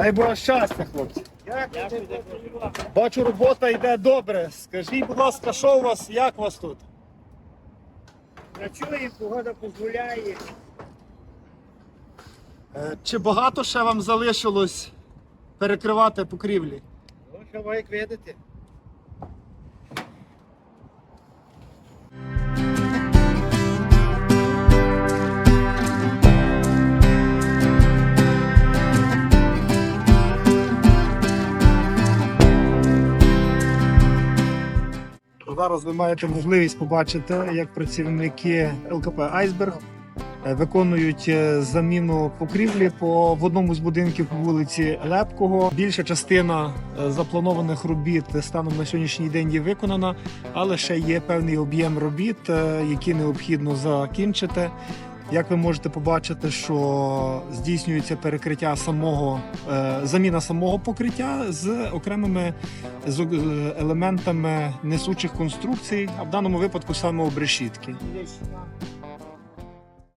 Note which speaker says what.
Speaker 1: Дай Боже щастя, хлопці. Бачу, робота йде добре. Скажіть, будь ласка, що у вас, як у вас тут?
Speaker 2: Працює, погода дозволяє.
Speaker 1: Чи багато ще вам залишилось перекривати покрівлі?
Speaker 2: Ну, що ви як видите.
Speaker 1: Зараз ви маєте можливість побачити, як працівники ЛКП «Айсберг» виконують заміну покрівлі в одному з будинків по вулиці Лепкого. Більша частина запланованих робіт станом на сьогоднішній день є виконана, але ще є певний об'єм робіт, які необхідно закінчити. Як ви можете побачити, що здійснюється перекриття заміна самого покриття з окремими елементами несучих конструкцій, а в даному випадку саме обрешітки.